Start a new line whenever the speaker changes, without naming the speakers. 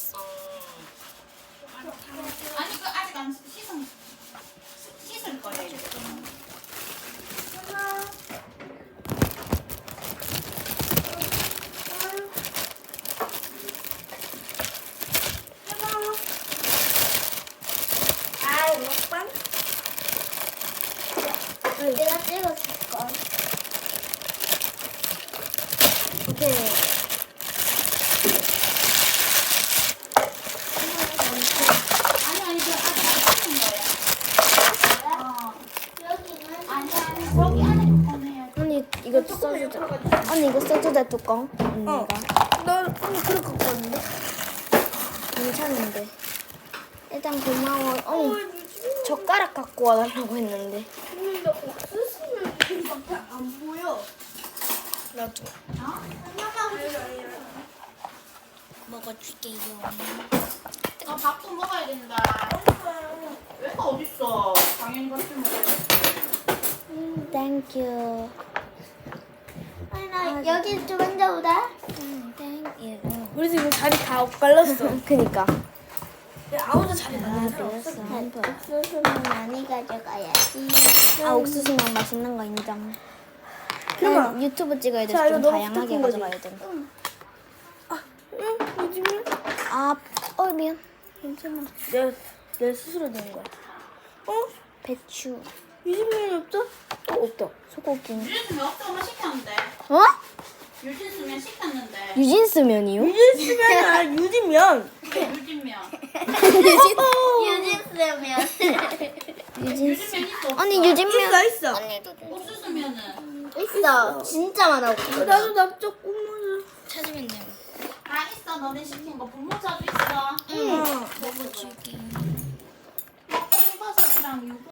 아니 그 아직 안 씻을 거예요. 이제.
먹방? 내가 찍어줄걸.
오케이.
아니 그 아직 안 씻는 거예요.
여기는
아니 거기 안에 꺼내야지.
언니 이거 써주자. 언니 이거 써주자 뚜껑. 언니가.
너 언니 그럴 것 같은데?
괜찮은데. 일단 고마워. 언니 젓가락 갖고 와달라고 했는데.
근데 나 옥수수는 이밖에 안 보여.
나도
어?
먹어줄게요.
밥도 먹어야 된다. 왜가 어딨어? 당연히 같이 먹어야지.
땡큐.
아니 나 여기 좀 앉아보자.
땡큐.
우리 지금 자리 다 엇갈렸어.
그니까.
아무도 자리
하나 둘 셋.
옥수수는 많이 가져가야지.
아 옥수수만 맛있는 거 인정.
그만.
난 유튜브 찍어야
자,
돼서
이거
좀
너무
다양하게
스타킹 거지?
가져가야 돼.
응, 요즘은
아, 미안.
괜찮아. 내 스스로 된 거야. 어?
배추.
요즘은 없어?
없다. 소고기.
유진스면 없어만 시켰는데.
어?
유진스면 시켰는데.
유진스 면이요?
유진스면 아니라 유진면.
유진면.
유진스면.
유진스.
유진면 있어.
언니
없어?
유진면.
있어.
옥수수면은
있어. 진짜 많아.
나도 나 조금만.
찾으면 돼요.
다 있어. 너네 시킨 거 분모자도 있어.
응.
먹어줄게. 콩버섯이랑 유부.